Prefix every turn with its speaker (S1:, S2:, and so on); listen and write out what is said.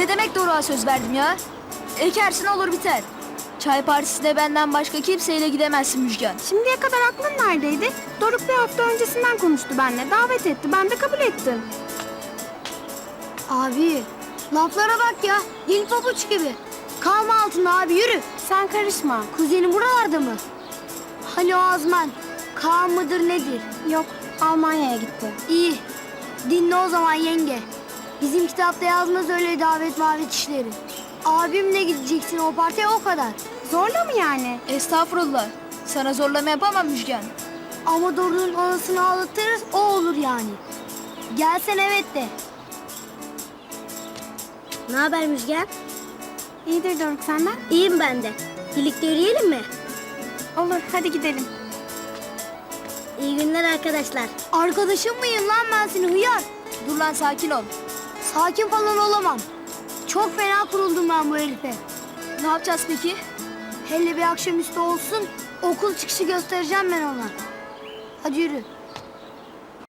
S1: Ne demek Doruk'a söz verdim ya? Ekersin olur biter. Çay partisine benden başka kimseyle gidemezsin Müjgan.
S2: Şimdiye kadar aklın neredeydi? Doruk bir hafta öncesinden konuştu benimle. Davet etti. Ben de kabul ettim.
S3: Abi laflara bak ya. Dil pabuç gibi. Kalma altında abi yürü.
S2: Sen karışma.
S3: Kuzenin buralarda mı? Hani o Azman? Kaan mıdır nedir?
S2: Yok, Almanya'ya gitti.
S3: İyi. Dinle o zaman yenge. Bizim kitapta yazmaz öyle davet mavet işleri. Abimle gideceksin o partiye o kadar.
S2: Zorla mı yani?
S1: Estağfurullah. Sana zorlama yapamam Müjgan.
S3: Ama Doruk'un anasını ağlatırız o olur yani. Gelsen evet de. Ne haber Müjgan?
S2: İyidir Doruk, senden?
S3: İyiyim ben de. Birlikte yürüyelim mi?
S2: Olur, hadi gidelim.
S3: İyi günler arkadaşlar. Arkadaşım mıyım lan ben seni hıyar?
S1: Dur lan sakin ol.
S3: Sakin falan olamam. Çok fena kuruldum ben bu herife.
S1: Ne yapacağız peki?
S3: Hele bir akşamüstü olsun okul çıkışı göstereceğim ben ona. Hadi yürü.